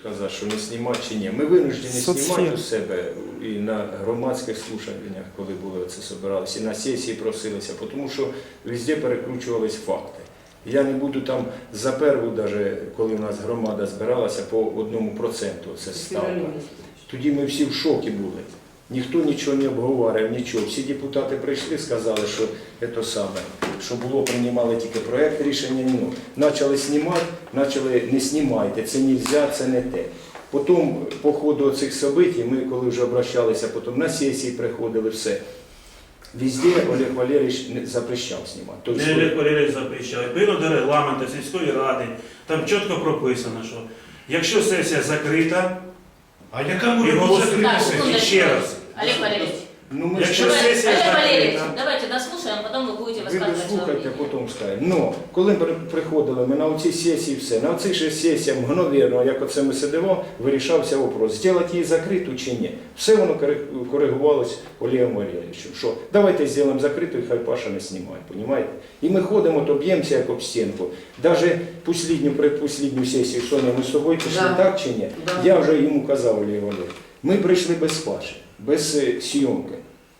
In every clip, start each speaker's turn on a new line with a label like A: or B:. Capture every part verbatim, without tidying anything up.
A: казати, що не знімати чи ні. Ми винуждені
B: Соцсфера.
A: знімати у себе і на громадських слушаннях, коли були оце собиралися, і на сесії просилися, тому що везде перекручувались факти. Я не буду там за перву, даже, коли у нас громада збиралася, по одному проценту це ставка. Тоді ми всі в шокі були. Ніхто нічого не обговорив, нічого. Всі депутати прийшли, сказали, що це саме, що було, приймали тільки проєкт рішення. Ну, почали знімати, почали не знімайте, це не можна, це не те. Потім, по ходу цих событий, ми коли вже обращалися, потім на сесії приходили, все. Везде Олег Валерійович запрещав знімати. Тобто,
C: Не Олег Валерійович запрещав. Відповідно до регламенту сільської ради, там чітко прописано, що якщо сесія закрита,
D: А яка може
C: і
D: бути
C: голосує
D: закрита
E: Так,
D: сесія?
C: сесія? Ще раз.
E: Олег Валерьевич,
A: ну, ми
C: Якщо
A: ж-
C: сесія
E: Олег Валерьевич,
C: закрита.
E: давайте дослушаем, потом вы будете
A: Ви
E: высказывать свое
A: дослухайте,
E: мнение.
A: потім скажете. Ну, коли при- приходили ми на оці сесії, все, на оцих же сесіях, мгновенно, як оце ми сидимо, вирішався вопрос, зробити її закриту чи ні. Все воно кори- коригувалось Олегом Валерійовичем, що давайте зробимо закриту і хай Паша не знімає, розумієте? І ми ходимо, то б'ємося як об стінку. Навіть послідню, предпослідню сесію, Соня, ми з собою пішли,
F: Да.
A: так чи ні?
F: Да.
A: Я вже йому казав, Олег Валерійович, ми прийшли без Паші, без е, зйомки.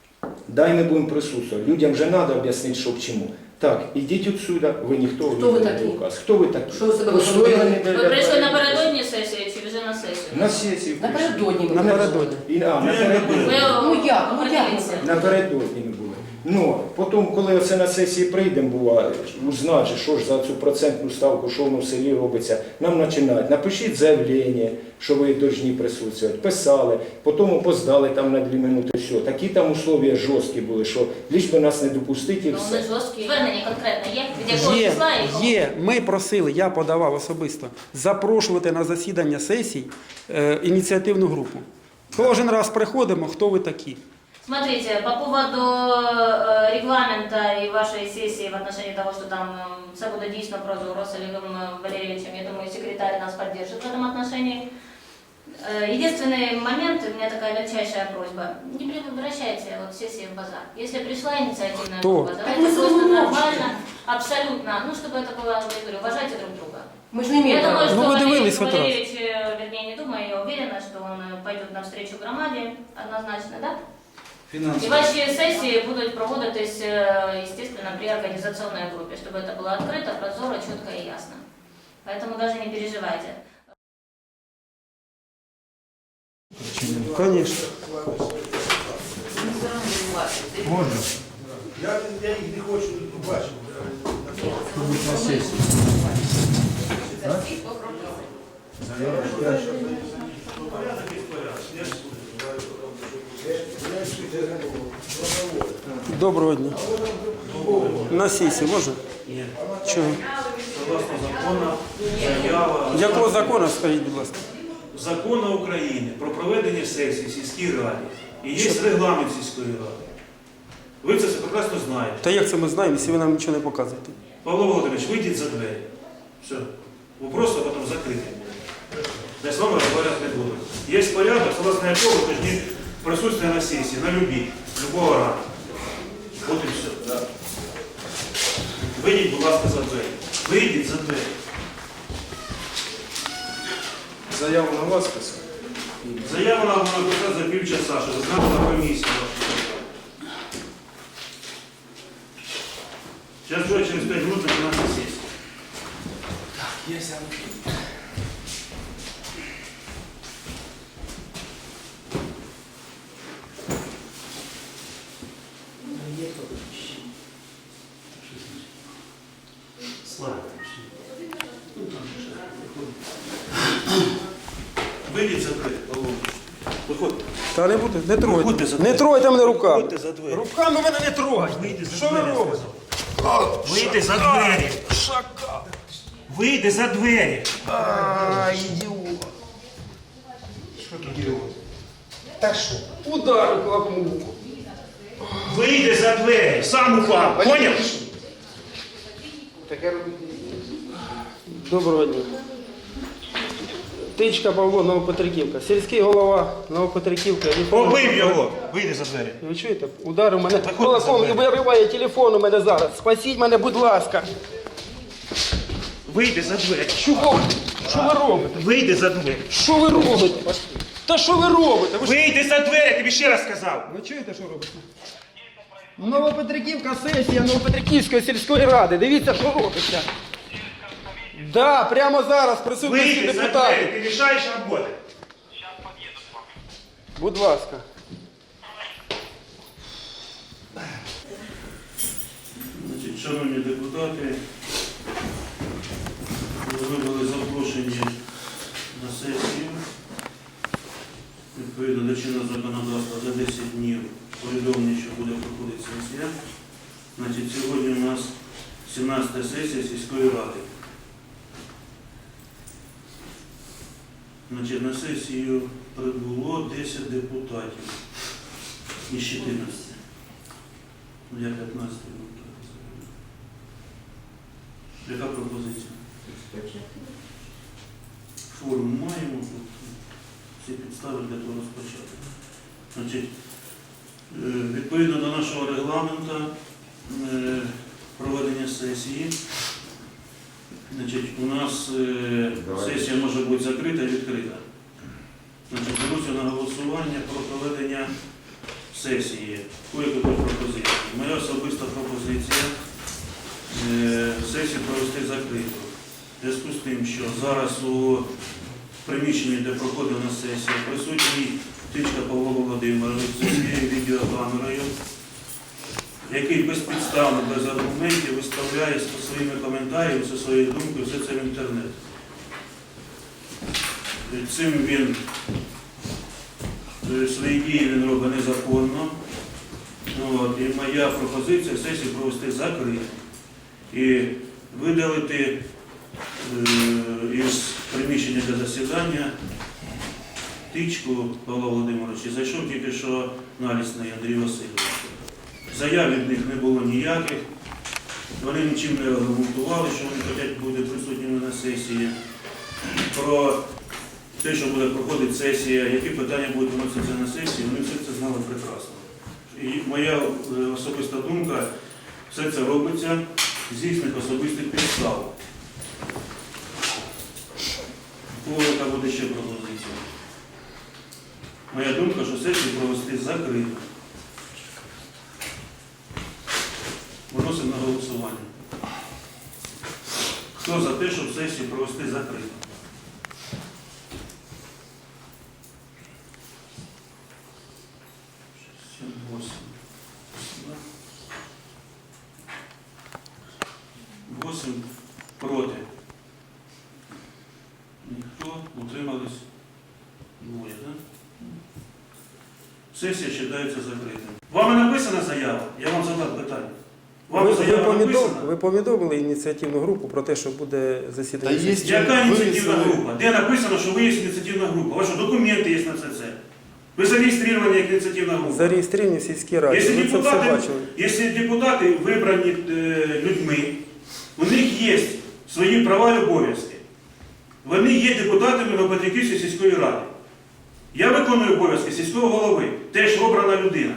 A: Дай ми будемо присутствувати. Людям вже треба об'яснити, що к чому. Так, ідіть отсюда, ви ніхто,
F: Хто ви
A: не
F: такі?
A: указ. Хто ви такі?
F: Що ви себе
A: Постояли
F: виходили?
E: Вы пришли напередодні сесії чи вже на сесію?
A: На сесію.
F: Напередодні ми
B: Напередодні.
A: І, а, напередодні.
E: Ви
F: Ну як? Ну як?
E: определіться.
A: Напередодні ми були. Ну, потім, коли оце на сесії прийдемо, бува, узнати, же, що ж за цю процентну ставку, що воно в селі робиться, нам починають. Напишіть заявлення, що ви повинні присутствувати. Писали, потім опоздали там на дві минути, все. Такі там условия жорсткі були, що лиш би нас не допустити і
E: Ну,
A: все.
E: вони жорсткі. Звернення конкретно є? Від якого
B: Є,
E: числа і кого?
B: є. Ми просили, я подавав особисто, запрошувати на засідання сесій е, ініціативну групу. Кожен раз приходимо, хто ви такі.
E: Смотрите, по поводу э, регламента и вашей сессии в отношении того, что там э, все будет дійсно прозоро с Олегом Валерьевичем, я думаю, секретарь нас поддержит в этом отношении. Э, единственный момент, у меня такая легчайшая просьба, не превращайте вот сессии в базар. Если пришла инициативная
B: Кто?
E: группа,
F: Так
E: давайте
F: мы
E: просто
F: с вами
E: нормально, абсолютно, ну чтобы это было, я говорю, уважайте друг друга.
F: Ми ж не
E: Я
F: маємо
E: думаю,
F: права.
E: что
B: Ну, вы
E: Валерий
B: дивились хоть раз?
E: Валерьевич, э, вернее, не думаю, я уверена, что он э, пойдет навстречу громаде, однозначно, да? И ваши сессии будут проводитись, э, естественно, при организационной группе, чтобы это было открыто, прозоро, четко и ясно. Поэтому даже не переживайте.
B: Звісно.
D: Можна? Я, я їх не хочу тут побачити. На сесії.
B: Доброго дня. На сесії можна?
C: Ні.
B: Чого?
C: Согласно закону, заява...
B: Якого закону, скажіть, будь ласка?
C: Закону України про проведення сесії в сільській раді. І є регламент сільської ради. Ви це все прекрасно знаєте.
B: Та як це ми знаємо, якщо ви нам нічого не показуєте?
C: Павло Володимирович, вийдіть за двері. Все. Вопрос потім закритий буде. Я з вами розмовляти не буду. Є порядок, согласно якого ви повинні присутствувати на сесії, на любій, любого ранку. От і все. Вийдіть, будь ласка, за двері. Вийдіть за двері.
A: Заяву на вас писати?
C: Заяву нам можна написати за півчаса, що ви на комісію. Зараз вже через п'ять минут починається сесія. Вийдіть за двері, Павло. Виходьте.
B: Та не буде, не тройте.
C: Виходьте за
B: Не
C: двері.
B: тройте мене руками.
C: Виходьте за двері.
B: Руками мене не трогайте.
C: Вийди за
B: Що ви
C: двері, я
B: робите?
C: сказав. Вийди за двері.
B: Шака.
C: Вийди за двері.
B: Ай, ідіот. Що ідіот? Та що? Удар клапмуку.
C: Вийди за двері. Сам упав. Поняв?
B: Таке робити. Доброго дня. Тичка Павло, Новопетриківка. Сільський голова Новопетриківка.
C: Побив його. Вийди за двері.
B: Ви чуєте? Удар у мене
C: Виходьте
B: кулаком
C: за
B: і
C: двері.
B: вириває телефон у мене зараз. Спасіть мене, будь ласка.
C: Вийди за двері.
B: Чого? Що ви робите?
C: Вийди за двері.
B: Що ви робите? Та що ви робите? Ви, ж-
C: Вийди за двері, я тобі ще раз сказав.
B: ви чуєте, що робите? Новопетриківка сесія Новопетриківської сільської ради. Дивіться, що робиться. Да, прямо зараз в присутності
C: Вийди за двері,
B: депутатів.
C: ти мішаєш роботи.
B: Будь ласка.
C: Значить, шановні депутати, ви були запрошені на сесію. Відповідно до чинного законодавства за десять днів повідомлення, що буде проходити сесія. Значить, сьогодні у нас сімнадцята сесія сільської ради. Значить, на сесію прибуло десять депутатів із чотирнадцяти. Я п'ятнадцятий депутат. Яка пропозиція? Форум маємо, тут всі підстави для того розпочати. Значить, е, відповідно до нашого регламенту е, проведення сесії, значить, у нас е, сесія може бути закрита і відкрита. Значить, беруся на голосування про проведення сесії. Кое-які пропозиції. Моя особиста пропозиція е, сесію провести закриту. В зв'язку з тим, що зараз у приміщенні, де проходила сесія, присутній Тичка Павло Володимирович зі своєю відеокамерою, який безпідставно, без аргументів виставляє зі своїми коментарями, зі своєю думкою, все це в інтернет. Цим він свої дії він робить незаконно. От, і моя пропозиція сесію провести закриту і видалити е, із приміщення для засідання Тичку Павла Володимировича. Зайшов тільки що налісний Андрій Васильович. Заяв від них не було ніяких. Вони нічим не аргументували, що вони хочуть бути присутніми на сесії. Про те, що буде проходити сесія, які питання будуть виноситися на сесії, вони все це знали прекрасно. І моя е, особиста думка, все це робиться з їхніх особистих підстав. У кого яка буде ще пропозиція? Моя думка, що сесію провести закрито. Виносимо на голосування. Хто за те, щоб сесію провести закрито? восемь проти. Ніхто, утримались двоє, так? Сесія вважається закритою. Вам не написана заява? Я вам задав питання. Вам
B: Ви, ви,
C: заява
B: повідом,
C: написана?
B: ви повідомили ініціативну групу про те, що буде засідання?
G: Та є.
B: сесії?
C: Яка ініціативна
G: Вивісили.
C: група? Де написано, що ви є ініціативна група? Ваші документи є на це це. Ви зареєстровані як ініціативна група.
B: Зареєстровані в сільській раді.
C: Якщо
B: Ви це все
C: депутати,
B: бачили.
C: якщо депутати вибрані е, людьми, у них є свої права і обов'язки. Вони є депутатами Новопетриківської сільської ради. Я виконую обов'язки сільського голови, теж обрана людина.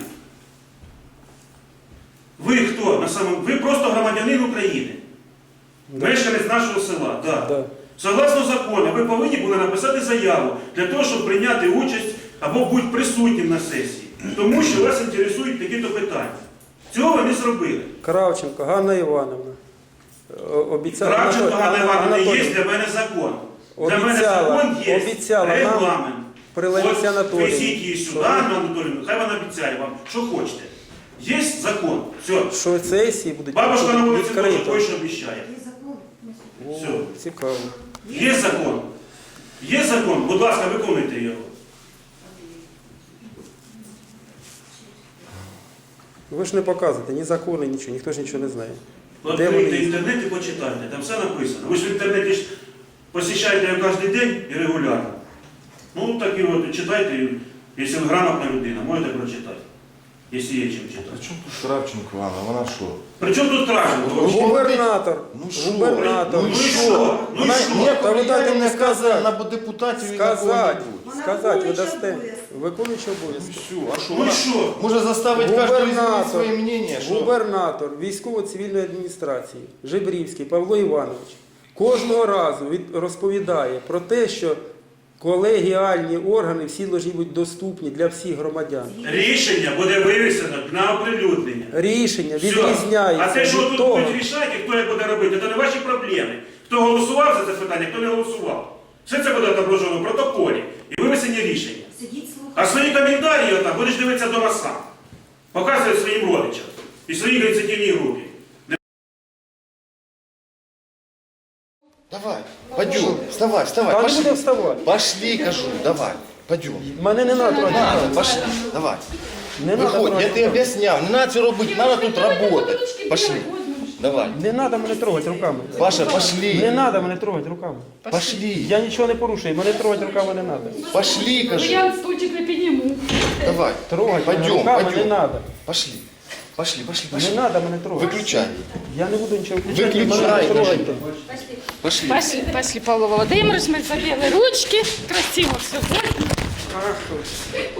C: Ви хто? На самому... Ви просто громадянин України.
B: Да.
C: Мешканець нашого села. Да.
B: Да.
C: Согласно закону, ви повинні були написати заяву для того, щоб прийняти участь або бути присутнім на сесії. Тому що вас інтересують такі-то питання. Цього ви не зробили.
B: Кравченко Ганна Івановна. О- Обіцяла,
C: Кравченко
B: Анатолій-
C: Ганна Івановна
B: Анатолій,
C: є для мене закон. Для мене
B: Обіцяла,
C: закон є
B: обіцяла нам
C: регламент.
B: при Ларисі
C: От
B: Анатоліївні,
C: везіть її сюди,
B: що-
C: Анну Анатоліївну, хай вона обіцяє вам, що хочете. Є закон. Все.
B: що сесії будуть
C: Бабушка на вулиці теж
B: відкрито.
C: точно обіцяє.
B: О,
C: Все.
B: цікаво.
C: Є закон. Є закон, будь ласка, виконуйте його.
B: Ви ж не показуєте ні закони, нічого, ніхто ж нічого не знає. Де
C: Відкрийте
B: вони є?
C: інтернет і почитайте, там все написано. Ви ж в інтернеті ж посещаєте його кожен день і регулярно. Ну так і от читайте, якщо ви грамотна людина, можете прочитати. Якщо є чим
G: А
C: читати.
G: чому тут Кравченко, Анна? Вона що?
C: При чому тут Кравченко? вообще?
B: Губернатор.
G: Ну що?
B: Губернатор.
C: Ну і що? Ну і
G: Вона
C: що?
G: ніякого
B: Та ви дайте
G: влияния
B: мені
G: не
B: сказати.
G: сказати на депутатів і на
B: Сказати,
G: кого-небудь.
B: сказати, ви дасте. Виконуючи
G: Ну
B: обов'язки.
G: все, а що?
C: Ну і
G: Вона
C: що?
G: може заставити кожного
B: Губернатор.
G: изменить своє мнение, що?
B: Губернатор військово-цивільної адміністрації Жебрівський Павло Іванович кожного разу від, розповідає про те, що колегіальні органи всі повинні бути доступні для всіх громадян.
C: Рішення буде вивісено на оприлюднення.
B: Рішення
C: Все.
B: відрізняється
C: А те, що
B: від
C: тут
B: того.
C: будуть рішати, хто як буде робити, це не ваші проблеми. Хто голосував за це питання, хто не голосував. Все це буде отображено в протоколі і вивесені рішення. А свої коментарі отак будеш дивитися вдома сам. Показує своїм родичам і своїй ініціативній групі.
G: Давай, пойдем, вставай, вставай,
B: Та не
G: пошли.
B: буде вставати.
G: Пошли, кажу, давай, пойдем.
B: Мене не треба трогати.
G: Надо, пошли, давай.
B: Не треба
G: Виходь, я
B: трогати.
G: тебе объяснял, не надо все робити, надо тут работать. Пошли, давай.
B: Не треба мене трогати руками.
G: Паша,
B: Не
G: пошли,
B: треба мене трогати руками.
G: пошли,
B: Я нічого не порушую, мене трогати руками не треба.
G: пошли, кажу.
F: Я стульчик не підніму.
G: Давай,
B: Трогати мене
G: пойдем,
B: руками не
G: пойдем.
B: треба.
G: Пошли, пошли, пошли,
B: Не
G: пошли.
B: треба мене трогати.
G: Выключай,
B: Я не буду нічого включати.
G: Виключай,
B: мене не
G: кажу.
B: трогайте.
G: пошли.
F: Пошли, пошли, Павло Володимирович, ми забили ручки, красиво все.
B: Ах,